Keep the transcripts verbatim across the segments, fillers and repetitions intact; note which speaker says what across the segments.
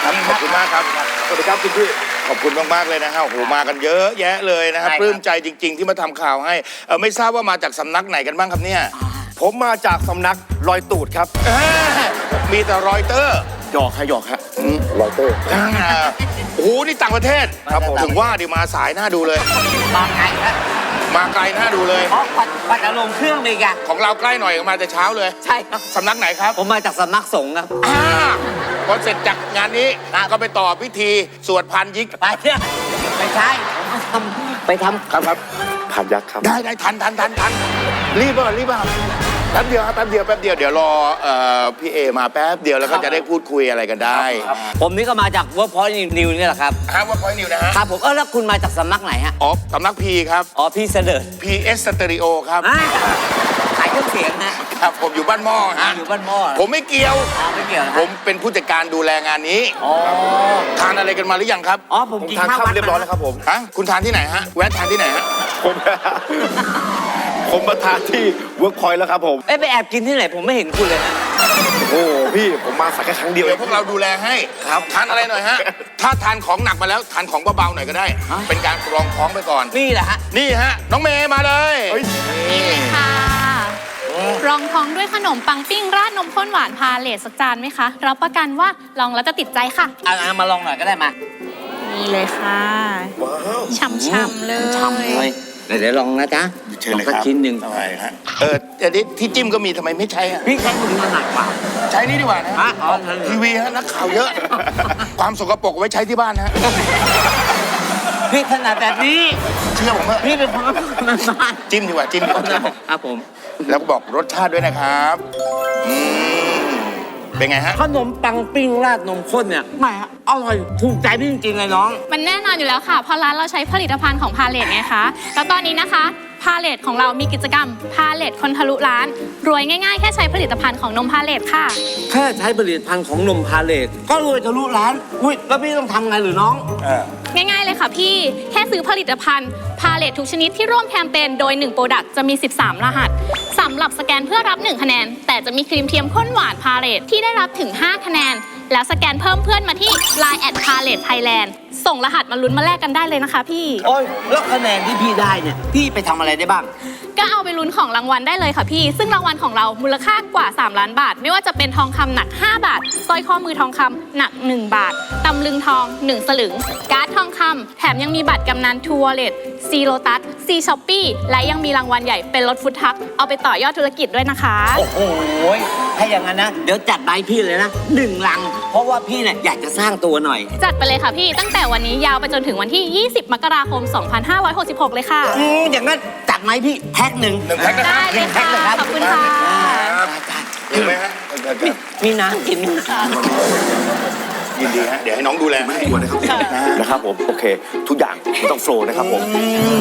Speaker 1: ครับขอบคุณมากครับสวัสดีครับคุณพี่ขอบคุณมากๆเลยนะฮะโอ้โหมากันเยอะแยะเลยนะครับปลื้มใจจริงๆที่มาทำข่าวให้เออไม่ทราบว่ามาจากสำนักไหนกันบ้างครับเนี่ย
Speaker 2: ผมมาจากสำนักรอยตูดครับ
Speaker 1: มีแต่รอยเตอร์
Speaker 2: หยอกค่ะหยอกฮะรอยเตอร์
Speaker 1: โอ้โหนี่ต่างประเทศครับผมถึงว่าดิมาสายหน้าดูเลย
Speaker 3: มาไกลครับ
Speaker 1: มาไกลหน้าดูเลย
Speaker 3: เพราะปัดอารมณ์เครื่องเลยกัน
Speaker 1: ของเราใกล้หน่อยมาแต่เช้าเลย
Speaker 3: ใช่ครับ
Speaker 1: สำนักไหนครับ
Speaker 3: ผมมาจากสำนักสงฆ์ครับ
Speaker 1: พอเสร็จจากงานนี้ก็ไปต่อพิธีสวดพันยิก
Speaker 3: ไปเนี่ยไม่ใช่ผมไปทำ
Speaker 1: ไปทำครับครับ
Speaker 2: พันยักษ์ครับ
Speaker 1: ได้ได้ทันทันทันทันรีบป่ะรีบป่ะแป๊บเดียวครับแป๊บเดียวแป๊บเดียวเดี๋ยวรอพี่เอมาแป๊บเดียวแล้วก็จะได้พูดคุยอะไรกันได้
Speaker 3: ผมนี่ก็มาจาก Workpoint New นี่แหละครับ
Speaker 1: ฮะ Workpoint New นะฮะ
Speaker 3: ครับผมเออแล้วคุณมาจากสำนักไหนฮะ
Speaker 1: อ๋อสำนักพีครับ
Speaker 3: อ๋อพีเสด็จ
Speaker 1: พี เอส Stereo ครับ
Speaker 3: ขายเครื่องเสียงนะครับ
Speaker 1: ผมอยู่บ้านหม้อฮะ
Speaker 3: อยู่บ้านหม้อ
Speaker 1: ผมไม่เกี่ยว
Speaker 3: ไม่เกี่ยว
Speaker 1: ผมเป็นผู้จัดการดูแลงานนี้
Speaker 3: อ๋อ
Speaker 1: ทานอะไรกันมาหรือยังครับ
Speaker 3: อ๋อผมกินข้าว
Speaker 2: เรียบร้อยแล้วครับผม
Speaker 1: ฮะคุณทานที่ไหนฮะแวะทานที่ไหนฮะ
Speaker 2: ผมผมมาทานที่เวิร์กพอยต์แล้วครับผม
Speaker 3: เอ้ไปแอบกินที่ไหนผมไม่เห็นคุณเลยนะ
Speaker 2: โอ้พี่ผมมาสักแค่ครั้งเดียว
Speaker 1: เดี๋ยวพวกเราดูแลให้ครับทานอะไรหน่อยฮะถ้าทานของหนักมาแล้วทานของเบาๆหน่อยก็ได้เป็นการรองท้องไปก่อน
Speaker 3: นี่แหละฮะ
Speaker 1: นี่ฮะน้องเมย์มาเลย
Speaker 4: นี่เลยค่ะรองท้องด้วยขนมปังปิ้งราดนมข้นหวานพาเลทสักจานไหมคะรับประกันว่าลองแล้วจะติดใจค่ะ
Speaker 3: เอามาลองหน่อยก็ได้มา
Speaker 4: นี่เลยค่ะช่ำๆเลย
Speaker 3: ช่ำเลยเดี๋ยวลองนะจ๊ะ
Speaker 1: เชิญเลยครับ
Speaker 3: ชิ้นหนึ่ง
Speaker 1: เออแต่ที่จิ้มก็มีทำไมไม่ใช้อ่ะ
Speaker 3: พี่ใช้คุณมันหนักกว่า
Speaker 1: ใช้นี่ดีกว่านะทีวีฮะนักข่าวเยอะความสกปรกไว้ใช้ที่บ้านฮะ
Speaker 3: พี่ขนาดแบบนี้
Speaker 1: เชื่อผมเถอะ
Speaker 3: พี่เป็นคนบ้าน
Speaker 1: จิ้มดีกว่าจิ้มดีกว่า
Speaker 3: ครับผม
Speaker 1: แล้วก็บอกรสชาติด้วยนะครับอืมเป็นไงฮะ
Speaker 3: ขนมปังปิ้งราดนมข้นเนี่ยไม่ฮะอร่อยถูกใจพี่จริงๆเลยน้อง
Speaker 4: มันแน่นอนอยู่แล้วค่ะเพราะร้านเราใช้ผลิตภัณฑ์ของพาเลทไงคะแล้วตอนนี้นะคะพาเลทของเรามีกิจกรรมพาเลทคนทะลุร้านรวยง่ายๆแค่ใช้ผลิตภัณฑ์ของนมพาเลทค่ะ
Speaker 3: แค่ใช้ผลิตภัณฑ์ของนมพาเลทก็รวยทะลุร้านอุ้ยแล้วพี่ต้องทำไงหรือน้อง
Speaker 4: ง่ายๆเลยค่ะพี่แค่ซื้อผลิตภัณฑ์พาเลททุกชนิดที่ร่วมแคมเปญโดยหนึ่งโปรดักต์จะมีสิบสามรหัสสำหรับสแกนเพื่อรับหนึ่งคะแนนแต่จะมีครีมเทียมข้นหวานพาเลทที่ได้รับถึงห้าคะแนนแล้วสแกนเพิ่มเพื่อนมาที่ ไลน์ แอท พาเลท ไทยแลนด์ ส่งรหัสมาลุ้นมาแลกกันได้เลยนะคะพี่
Speaker 3: โอ้ยแล้วคะแนนที่พี่ได้เนี่ยพี่ไปทำอะไรได้บ้าง
Speaker 4: ก็เอาไปลุ้นของรางวัลได้เลยค่ะพี่ซึ่งรางวัลของเรามูลค่ากว่าสามล้านบาทไม่ว่าจะเป็นทองคำหนักห้าบาทสร้อยข้อมือทองคำหนักหนึ่งบาทตำลึงทองหนึ่งสลึงการ์ดทองคำแถมยังมีบัตรกำนันทัวร์เลทซีโลตัสซีช้อปปี้และยังมีรางวัลใหญ่เป็นรถฟุตทักเอาไปต่อยอดธุรกิจด้วยนะคะ
Speaker 3: โอ้โหถ้าอย่างนั้นนะเดี๋ยวจัดใบพี่เลยนะหนึ่งลังเพราะว่าพี่เนี่ยอยากจะสร้างตัวหน่อย
Speaker 4: จัดไปเลยค่ะพี่ตั้งแต่วันนี้ยาวไปจนถึงวันที่ยี่สิบมกราคมสองพันห้าร้อยหกสิบหกเลยค่ะ
Speaker 3: อืมอย่างนั้นจัดไหมพี่แพ็คหนึ่ง
Speaker 1: หนึ่งแพ็ค
Speaker 4: ได้เลยค่ะขอบคุณค่ะ
Speaker 1: เห็นไหมฮะ
Speaker 3: มีน้ำกิน
Speaker 1: ยินดีฮะเดี๋ยวให้น้องดูแลไม่กลัวนะครับ
Speaker 2: นะครับผมโอเคทุกอย่างต้องโฟล์นะครับผม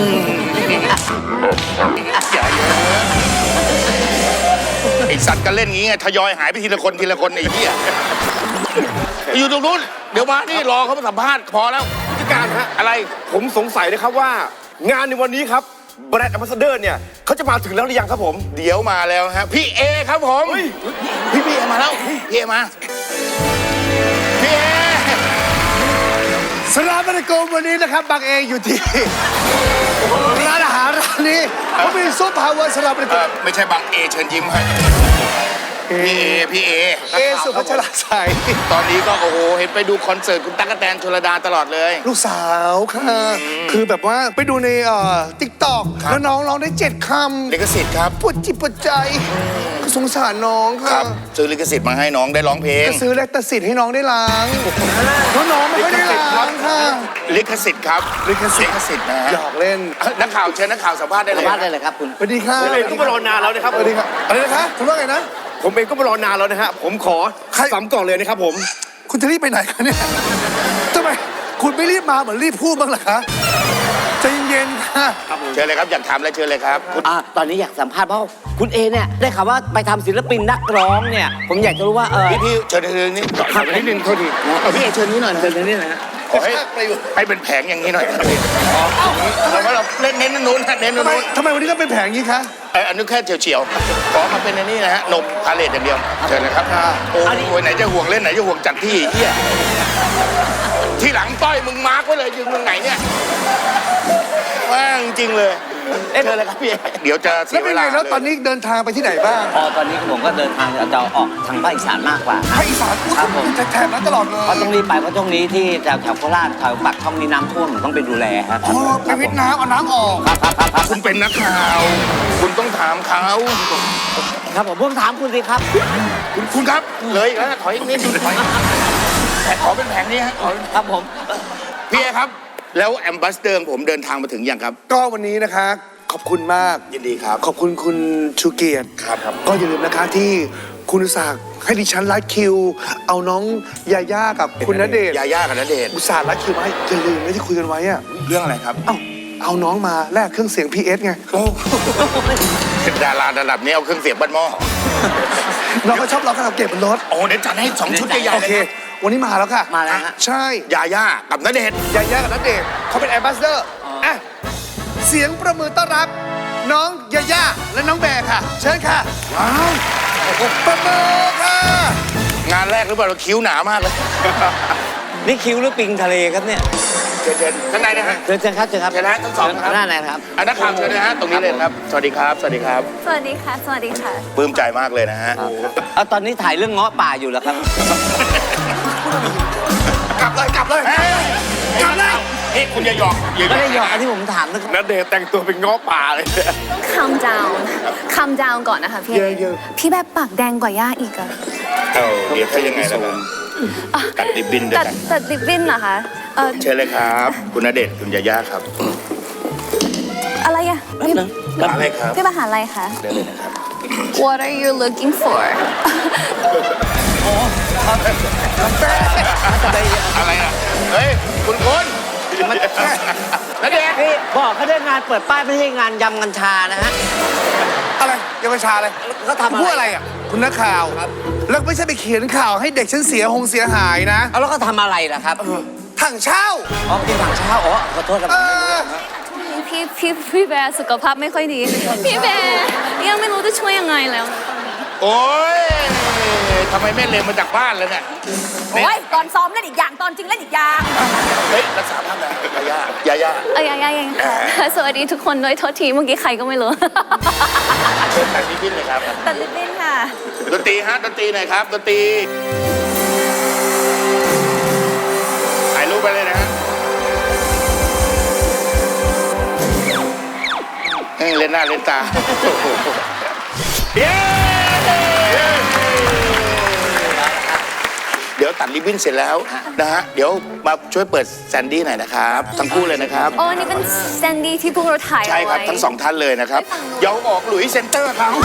Speaker 1: ไอสัตว์ก็เล่นงี้ไงทยอยหายไปทีละคนทีละคนไอ้เหี้ยอยู่ตรงนู้นเดี๋ยวมานี่รอเขามาสัมภาษณ์พอแล้ว
Speaker 2: ผู้จัดการฮะ
Speaker 1: อะไร
Speaker 2: ผมสงสัยนะครับว่างานในวันนี้ครับแบรนด์แอมบาสเดอร์เนี่ยเขาจะมาถึงแล้วหรือยังครับผม
Speaker 1: เดี๋ยวมาแล้วฮะพี่เอครับผมพี่พี่เอมาแล้วพี่เอมาพี่เอ
Speaker 5: สลามอะลัยกุมวันนี้นะครับบางเออยู่ที่ร้านอาหารร้านนี้เขามีซุปฮาวายสลามอะลัยกุม
Speaker 1: ไม่ใช่บางเอเชิญยิ้มครับพี่เอพี่เอ
Speaker 5: เอสุภัชราใส
Speaker 1: ตอนนี้ก็โอ้โหเห็นไปดูคอนเสิร์ตคุณตั๊กแตนชลดาตลอดเลย
Speaker 5: ลูกสาวค่ะคือแบบว่าไปดูในเอ่อติ๊กต็อกแล้วน้องร้องได้เจ็ดคำ
Speaker 1: ลิขสิทธิ์ครับ
Speaker 5: ปวดจิตปวดใจก็สงสารน้องค่ะ
Speaker 1: ซื้อลิขสิทธิ์มาให้น้องได้ร้องเพลง
Speaker 5: ก็ซื้อแลคตาสิทธิ์ให้น้องได้ล้างเพราะน้องไม่ได้ล้างค่ะ
Speaker 1: ลิขสิทธิ์ครับลิขสิทธิ์ลิขสิทธิ์นะ
Speaker 5: หยอกเล่น
Speaker 1: นักข่าวเชิญนักข่าวสัมภาษณ์ได้เลย
Speaker 3: สัมภาษณ์ได้เลยครับคุณ
Speaker 5: สวัสดีครับ
Speaker 2: ผมเองก็มารอนานแล้วนะครับ
Speaker 5: สวัสดีครับอะไรนะคะคุณว่าไงนะ
Speaker 2: ผมเองก็มารอนานแล้วนะฮะผมขอสามกล่องเลยนะครับผม
Speaker 5: คุณจะรีบไปไหนคะเนี่ยทำไมคุณไม่รีบมาเหมือนรีบพูดบ้างล่ะคะใจเย็นๆค่ะ
Speaker 1: เชิญเลยครับอยากถามอะไรเชิญเลยครับ
Speaker 3: อ่าตอนนี้อยากสัมภาษณ์เพราะคุณเอเนี่ยได้ข่าวว่าไปทำศิลปินนักร้องเนี่ยผมอยากจะรู้ว่าเออ
Speaker 1: พี่พี่เชิญเชิญนี่
Speaker 3: ขับนิดนึงโทษทีพี่เอเชิญนี้หน่อยเชิญนี้นะ
Speaker 1: ขอให้ให้เป็นแผงอย่างนี้หน่อยเราเราเล่นเน้นนู้นเน้นนู้น
Speaker 5: ทำไมวันนี้ก็เป็นแผงนี้คะ
Speaker 1: อ้อันนี้แค่เฉียวๆขอมาเป็นอันนี้นะฮะนมพาเลทอย่างเดียวเชิญนะครับโอ้ยไหนจะห่วงเล่นไหนจะห่วงจัดที่เฮียที่หลังต้อยมึงมาร์กไว้เลยยืนมึงไหนเนี่ยว่างจริงเลยเชิญเลยครับพี่เดี๋ยวจะเสี
Speaker 5: แล้ว
Speaker 1: ย
Speaker 5: เป็
Speaker 1: เวน ลา
Speaker 5: ไงแล้วตอนนี้เดินทางไปที่ไหนบ้าง
Speaker 3: พอตอนนี้ผมก็เดินทางจะออกทางภาคอีสานมากกว่า
Speaker 5: ภาคอีสานพูด
Speaker 3: ครับผม
Speaker 5: แถบนั้นตลอดเลย
Speaker 3: เพราะต้องรีบไปเพราะตรงนี้ที่แถวแถวโคราชแถวปากช่องนี้น้ำท่วมผมต้องไปดูแลครับ
Speaker 5: อ๋อไปวิทย์น้ำเอาน้ำออก
Speaker 3: ครับครับครับครับ
Speaker 1: คุณเป็นนักข่าว คุณต้องถามเขา
Speaker 3: ครับผมผมถามคุณสิครับ
Speaker 1: คุณคุณครับ เลยอีกแล้วถอยอีกนิดนึงถอยแต่ขอเป็นแผงนี้ฮะขอ
Speaker 3: ครับผม
Speaker 1: พี่เอครับ แล้วแอมบัสเดอร์ผมเดินทางมาถึงยังครับ
Speaker 5: ก็วันนี้นะคะ ขอบคุณมาก
Speaker 1: ยินดีครับ
Speaker 5: ขอบคุณคุณชูเกียรติ
Speaker 1: ครับครับ
Speaker 5: ก็อย่าลืมนะคะที่คุณอุตส่าห์ให้ดิฉันรัดคิว เอาน้องยาย่ากับคุณณเดชน์
Speaker 1: ยาย่ากับณเดชน์
Speaker 5: อุตส่าห์รัดคิวมาให้อย่าลืมไม่ที่คุยกันไว้อะ
Speaker 1: เรื่องอะไรครับ
Speaker 5: เอ้าเอาน้องมาแลกเครื่องเสียง พี เอส ไง
Speaker 1: โอ้เป็นดาราระดับนี้เอาเครื่องเสียงบ้านหม้อ
Speaker 5: น้องก็ชอบร้องคาราโอเกะบนรถ
Speaker 1: โอ้เดี๋ยวจัดให้สองชุดใหญ่
Speaker 5: โอ
Speaker 1: ๆเลย
Speaker 5: เค
Speaker 1: นะ
Speaker 5: วันนี้มาแล้วค่ะ
Speaker 3: มาแล้วฮะ
Speaker 5: ใช่
Speaker 1: ยาย่ากับณเดชน์
Speaker 5: ยาย่ากับณเดชน์เขาเป็นแอมบาสเดอร์อ่ะเสียงประมือต้อนรับ น้องยาย่าและน้องแบร์ค่ะ เชิญค่ะว้าวประมือค่ะ
Speaker 1: งานแรกหรือเปล่าเราคิ้วหนามากเลย
Speaker 3: นี่คิ้วหรือปิงทะเลครับเนี่ย
Speaker 1: เชิญเชิญข้างในนะฮะ
Speaker 3: เชิญเชิญครับเชิญครับ
Speaker 1: เชิญนะทั้งสองครับ
Speaker 3: หน้าไหนครับ
Speaker 1: อันนักข่าวเชิญนะฮะตรงนี้เลยครับ สวัสดีครับ สวัสดีครับ
Speaker 4: สวัสดีค่ะ สวัสดีค่ะ
Speaker 1: ปลื้มใจมากเลยนะฮะ
Speaker 3: เอาตอนนี้ถ่ายเรื่องเงาะป่าอยู่แล้วครับ
Speaker 5: กลับเลยกลับเลย
Speaker 1: เฮ้ยกลับเลยเฮ้ยคุณอย่าหยอกอย่าหย
Speaker 3: ไม่
Speaker 1: อก
Speaker 3: ได้หยอกอันที่ผมถามนะครับ
Speaker 2: ณเดชน์แต่งตัวเป็นง้อป่าเลย
Speaker 4: calm down calm down ก่อนนะคะพี่
Speaker 5: เยอะ
Speaker 4: พี่แบบปากแดงกว่าย่าอีกอะ
Speaker 1: เอาเดี๋ยวถ้ายังไงล่ะตัดริบบิ้นด้วย
Speaker 4: ตัด
Speaker 1: กัน
Speaker 4: ตัดริบบิ้นเหรอคะเออ
Speaker 1: เชิญเลยครับ คุณณเดชน์คุณยาย่าครับ
Speaker 4: อะไรอะพี่
Speaker 1: มาเลยครับ
Speaker 4: พี่มาหาอะไรคะ
Speaker 1: เดินเลยนะครับ
Speaker 4: What are you looking for
Speaker 1: อะไรอ่ะ เฮ้ย คุณคุณณเดชน์
Speaker 3: พี่บอกเขาได้งานเปิดป้ายไม่ใช่งานยำกัญชานะฮะ
Speaker 5: อะไรเยาวชาอะไร
Speaker 3: เขาทำอะไร
Speaker 5: พูดอะไรอ่ะคุณนักข่าวครับแล้วไม่ใช่ไปเขียนข่าวให้เด็กฉันเสียหงเสียหายนะ
Speaker 3: เอาแล้วเขาทำอะไรล่ะครับ
Speaker 5: ถังเช่า
Speaker 3: อ๋อกินถังเช้าอ๋อขอโทษครับ
Speaker 5: เออ
Speaker 4: พี่พี่พี่แบร์สุขภาพไม่ค่อยดี พี่แบร์ยังไม่รู้จะช่วยยังไงแล้ว
Speaker 1: โอ้ยทำไมไม่เลมมาจากบ้านเลยเนี่ย
Speaker 6: โอ้ยก่อนซ้อมเล่นอีกอย่างตอนจริงเล่นอีกอย่าง
Speaker 1: เฮ้ย รักษาภาพนะยาย่ายาย่า
Speaker 4: เอ้ยยังยังค่ะ สวัสดีทุกคนด้วยโทษทีเมื่อกี้ใครก็ไม่รู้
Speaker 1: เชิญตัดริบบิ้นเลยครับ
Speaker 4: ตัดริบบิ้นค่ะ
Speaker 1: ดนตรีฮะดนตรีหน่อยครับดนตรีถ่ายรูปไปเลยนะฮะเอ้ยเล่นหน้าเล่นตาเย้เดี๋ยวตัดริบบิ้นเสร็จแล้วนะฮะเดี๋ยวมาช่วยเปิดแซนดี้หน่อยนะครับทั้งคู่เลยนะครับ
Speaker 4: โอ้อันนี่เป็นแซนดี้ที่พวกเราถ่ายเอา
Speaker 1: ใช่ครับ
Speaker 4: ไว้
Speaker 1: ทั้งสองท่านเลยนะครับเดี๋ยวออกหลุยส์เซ็นเตอร์เขา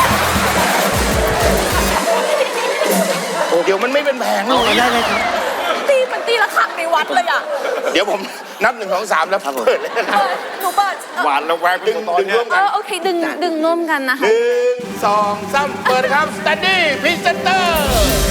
Speaker 1: เดี๋ยวมันไม่เป็นแผงเลย
Speaker 3: ได้เลยครับ
Speaker 6: ตีมันตีละขักในวัดเลยอ่ะ
Speaker 1: เดี๋ยวผมนับหนึ่งสองสามแล้วเปิดเลยนะค
Speaker 6: เอ
Speaker 1: รับ
Speaker 6: อหนูเปิดเออ
Speaker 2: หวานระแวง
Speaker 1: ดึง
Speaker 2: ตอน
Speaker 1: ดึง
Speaker 2: เนี้
Speaker 1: ร่
Speaker 2: ยว
Speaker 1: ม
Speaker 4: เอ
Speaker 1: กัน
Speaker 4: อโอเคดึงดึงร่วมกันนะคะ
Speaker 1: หนึ่งสองสามเปิดครับสแตนดี้พรีเซนเตอร์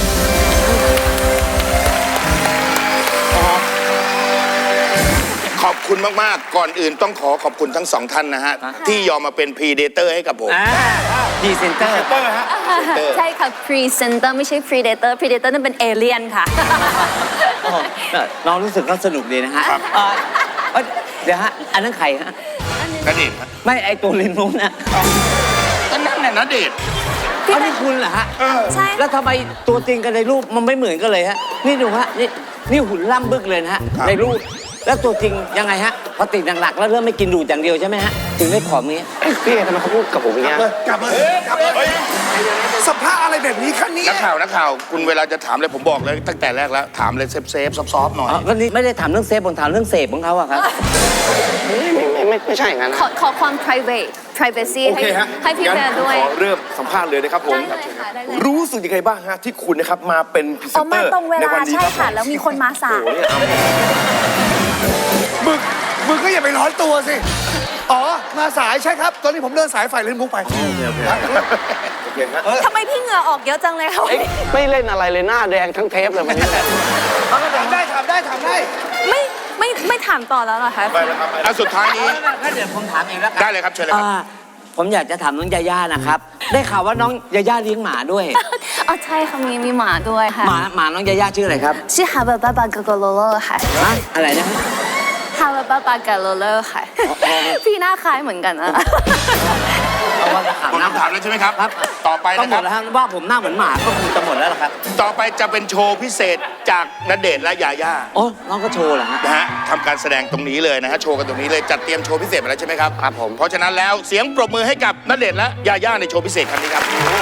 Speaker 1: ขอบคุณมาก ๆ ก่อนอื่นต้องขอขอบคุณทั้งสองท่านนะฮะ ที่ยอมมาเป็นพรีเดเตอร์ให้กับผม
Speaker 3: อ่าพรีเซนเตอร์
Speaker 4: ใช่ค่ะ Presenter ไม่ใช่ Predator Predator นั่นเป็นเอเลี่ยนค่ะ
Speaker 3: โอ้โหน้องรู้สึกก็สนุกดีนะฮะ
Speaker 1: ครับ
Speaker 3: เอ่อเอ้ยเดี๋ยวฮะ อันนั้นใครฮะ
Speaker 1: ณเดชน์ฮะ
Speaker 3: ไม่ไอตัวลินนู้นนะ
Speaker 1: ก็นั่นน่ะณเดชน์
Speaker 3: เอานี่คุณเหรอฮะ
Speaker 4: ใช่
Speaker 3: แล้วทำไมตัวจริงกับในรูปมันไม่เหมือนกันเลยฮะ นี่ดูฮะ นี่นี่หุ่นล่ำบึกเลยนะฮะ ในรูป แล้วตัวจริงยังไงฮะ พอติดหนักๆแล้วเริ่มไม่กินดูดอย่างเดียวใช่ไหมฮะ ถึงได้ผอมนี้
Speaker 2: พี่ทำไมเขาพูดกับผมอย่างเงี้ย
Speaker 5: กลับเลยกลับเลยสภาพอะไรแบบนี้คะเนี่ย
Speaker 1: นักข่าวนักข่าวคุณเวลาจะถามอะไรผมบอกเลยตั้งแต่แรกแล้ว ถามเลยเซฟเซฟซอฟๆหน่อย
Speaker 3: อ๋อก็นี่ไม่ได้ถามเรื่องเซฟผมถามเรื่องเสพของเขาอะครับ
Speaker 2: ไม่ไม่ไม่ใช่อย่างนั้น
Speaker 4: ขอขอความ private privacy
Speaker 2: โอ
Speaker 4: ให้
Speaker 2: เคฮะ
Speaker 4: ให้พี่แบร์ด้วย
Speaker 2: ขอเริ่มสัมภาษณ์เลยนะครับผม
Speaker 4: ได้เลยค่ะได้เลย
Speaker 2: รู้สึกยังไงบ้างฮะที่คุณนะครับมาเป็นพรีเซ
Speaker 6: อ๋อน
Speaker 2: เต
Speaker 6: มา
Speaker 2: อร์
Speaker 6: ตรงเว
Speaker 2: ใน
Speaker 6: ลา
Speaker 2: วันนี้
Speaker 6: ใช่
Speaker 2: ครับ
Speaker 6: ค่ะ แล้วมีคนมาสาย
Speaker 2: โอ้โหเนี่ยเอา
Speaker 5: มึงมึงก็อย่าไปร้อนตัวสิ อ๋อ มาสายใช่ครับ ตอนนี้ผมเดินสายไฟเล่นมุกไป
Speaker 2: โอเคฮะ
Speaker 6: ทำไมพี่เหงื่อออกเยอะจังเลยคะ
Speaker 7: ไม่เล่นอะไรเลยหน้าแดงทั้งเทปเลยวันนี้
Speaker 5: ถามได้ถามได้ถามได้
Speaker 4: ไม่ไม่ไม่ถามต่อแล้วเหรอคะ
Speaker 1: อ่ะสุดท้ายนี้
Speaker 3: ถ้าเดี๋ยวผมถามเองแล้วกัน
Speaker 1: ได้เลยครับเชิญเลยครับ
Speaker 3: อ่าผมอยากจะถามน้องยาย่านะครับ ได้ข่าวว่าน้องยาย่าเลี้ยงหมาด้วย
Speaker 6: อ๋อใช่ค่ะมีมีหมาด้วยค่ะ
Speaker 3: หมาหมาน้องยาย่าชื่ออะไรครับ
Speaker 6: ชื่อฮาบาบาบาโกโกโลโลค่ะ
Speaker 3: ฮะอะไรนะ
Speaker 6: ฮาบาบาบาโกโลโลค่ะ พี่หน้าคล้ายเหมือนกันนะ
Speaker 3: เอาว่าจะถาม
Speaker 1: หมด
Speaker 3: นะ
Speaker 1: คำถามแล้วใช่ไหมครับ
Speaker 3: ครับ
Speaker 1: ต่อไป
Speaker 3: ก็
Speaker 1: นะ
Speaker 3: หม
Speaker 1: ครั
Speaker 3: ด
Speaker 1: บ
Speaker 3: แล้วครับว่าผมหน้าเหมือนหมาก็คงจะหมดแล้วล่ะครับ
Speaker 1: ต่อไปจะเป็นโชว์พิเศษจากณเดชน์และยาย่า
Speaker 3: โอ้น้องก็โชว์เหรอฮะ
Speaker 1: นะฮะทำการแสดงตรงนี้เลยนะฮะโชว์กันตรงนี้เลยจัดเตรียมโชว์พิเศษมาแล้วใช่ไหมครับ
Speaker 7: ครับผม
Speaker 1: เพราะฉะนั้นแล้วเสียงปรบมือให้กับณเดชน์และยาย่าในโชว์พิเศษครั้งนี้ครับ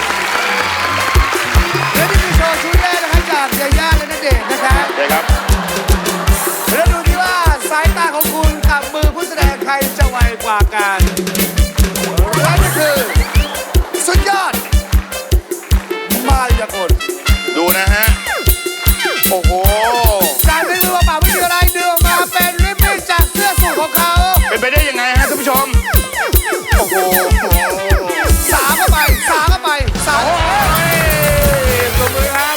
Speaker 5: และนี่คือโชว์ชุดแรกนะครับจากยาย่าและณเดชน์นะครับ
Speaker 1: เลยครับ
Speaker 5: แล้วดูที่ว่าสายตาของคุณกับมือผู้แสดงใครจะไวกว่ากันและนี่คือสุดยอดมายากล
Speaker 1: ดูนะฮะ โอ้โห
Speaker 5: การเป็นมือเปล่าไม่มีอะไรเดือออกมาเป็นริบบิ้นจากเสื้อสูทของเขา
Speaker 1: เป็นไปได้ยังไงฮะท่านผู้ชม โอ้โห
Speaker 5: สามเข้าไปสามเข้าไปสาม
Speaker 1: โอ้ยปรบมือครับ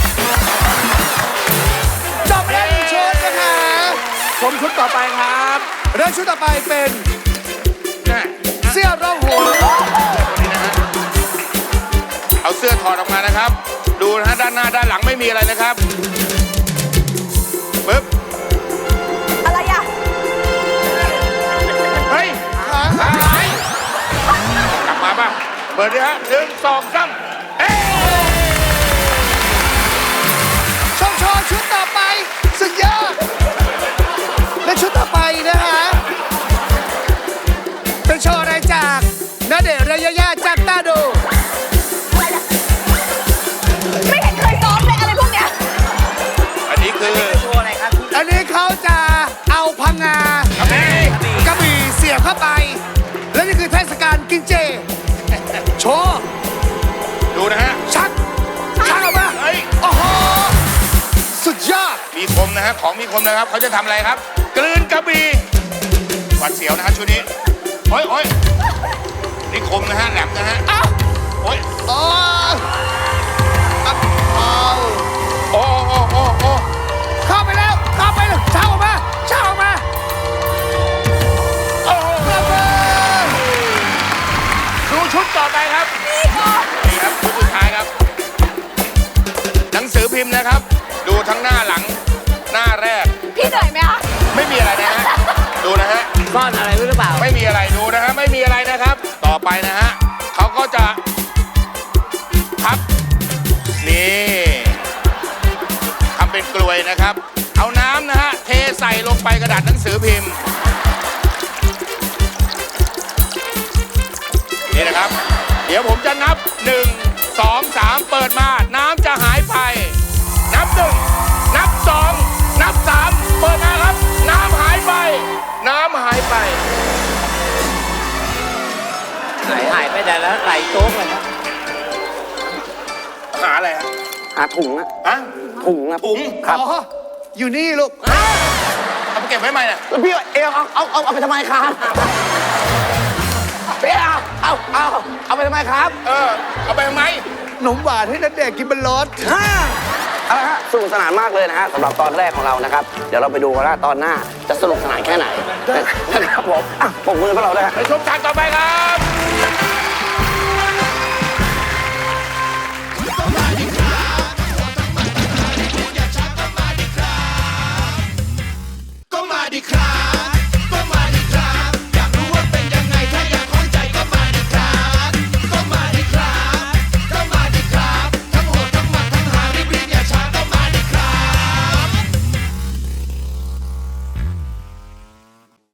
Speaker 5: จบแล้วหนึ่งชุดนะคะ
Speaker 1: ผมชุดต่อไปครับ
Speaker 5: เรื่องชุดต่อไปเป็น
Speaker 1: นี่
Speaker 5: เสื้อร่องหัว
Speaker 1: นี่นะฮะ เอาเสื้อถอดออกมานะครับ ดูนะฮะด้านหน้าด้านหลังไม่มีอะไรนะครับปึ๊บ
Speaker 6: อะไรอ่ะ
Speaker 1: เฮ้ยหายกลับมาป่ะ เปิดดิฮะหนึ่งสองสามเอ๊ะ
Speaker 5: ชมโชว์ชุดต่อไปสุดยอดและชุดต่อไปนะคะเป็นโชว์อะไรจากณเดชน์และยาย่าจับตาดู
Speaker 6: ไม่เห็นเคยซ้อมเลยอะไรพวกเนี้ย
Speaker 1: อันนี้คือ
Speaker 3: โชว์อะไรครับ
Speaker 5: อันนี้เขาจะเอาพังงาก
Speaker 1: ระบี่
Speaker 5: กระบี่เสียบเข้าไป และนี่คือเทศกาลกินเจ โชว์
Speaker 1: ดูนะฮะ
Speaker 5: ชักชักออกมา
Speaker 1: เฮ้ย
Speaker 5: โอ้โห สุดยอด
Speaker 1: มีคมนะฮะ ของมีคมนะครับ เขาจะทำอะไรครับ กลืนกระบี่หวัดเสียวนะฮะชุดนี้ โอ้ยโอ้ยนี่คมนะฮะ แหลมนะฮะ
Speaker 5: เอ้า
Speaker 1: โอ้ย
Speaker 5: โอ้เอาเอา
Speaker 1: โอ้โอ้โอ้โอ้
Speaker 5: เข้าไปแล้ว เข้าไปแล้วชักออกมาชักออกมา
Speaker 1: โอ้
Speaker 5: ระเบิด
Speaker 1: ดูชุดต่อไปครับ นี่ครับชุดสุดท้ายครับ หนังสือพิมพ์นะครับ ดูทั้งหน้าหลัง หน้าแรก
Speaker 6: พี่เหนื่อยไหมคะ
Speaker 1: ไม่มีอะไรนะฮะ ดูนะฮะ
Speaker 3: ซ่อนอะไรไว้หรือเปล่า
Speaker 1: ไม่มีอะไรดูนะฮะ ไม่มีอะไรนะครับ ต่อไปนะฮะ เขาก็จะพับ นี่ทำเป็นกลวยนะครับ เอาน้ำนะฮะ เทใส่ลงไปกระดาษหนังสือพิมพ์ นี่นะครับ เดี๋ยวผมจะนับหนึ่งสองสามเปิดมา น้ำจะหายไป นับหนึ่งนับสองนับสามเปิดมาครับ น้ำหายไป น้ำหายไป
Speaker 3: หายหายไปแต่แล้วไหลโจ๊กเลยครับ
Speaker 1: หาอะไรฮะ
Speaker 7: หาถุงอะ
Speaker 1: ฮะ
Speaker 7: ถุงอะ
Speaker 1: ถุง
Speaker 5: อ๋อ อยู่นี่ลูก
Speaker 1: เอาไปเก็บไว้ไหมเนี่ย
Speaker 7: แล้วพี่เอวเอาเอาเอาเอาไปทำไมครับพี่เอาเอาเอาเอาไปทำไมครับ
Speaker 1: เออ เอาไปทำไม
Speaker 5: ขนมหวานให้นัดเด็กกินบนรถ
Speaker 7: เอาละฮะสนุกสนานมากเลยนะฮะสำหรับตอนแรกของเรานะครับ เดี๋ยวเราไปดูกันว่าตอนหน้าจะสนุกสนานแค่ไหนนะครับผมอ่ะปรบมือพวกเราด้วยฮะ
Speaker 1: ไปชมฉากต่อไปครับ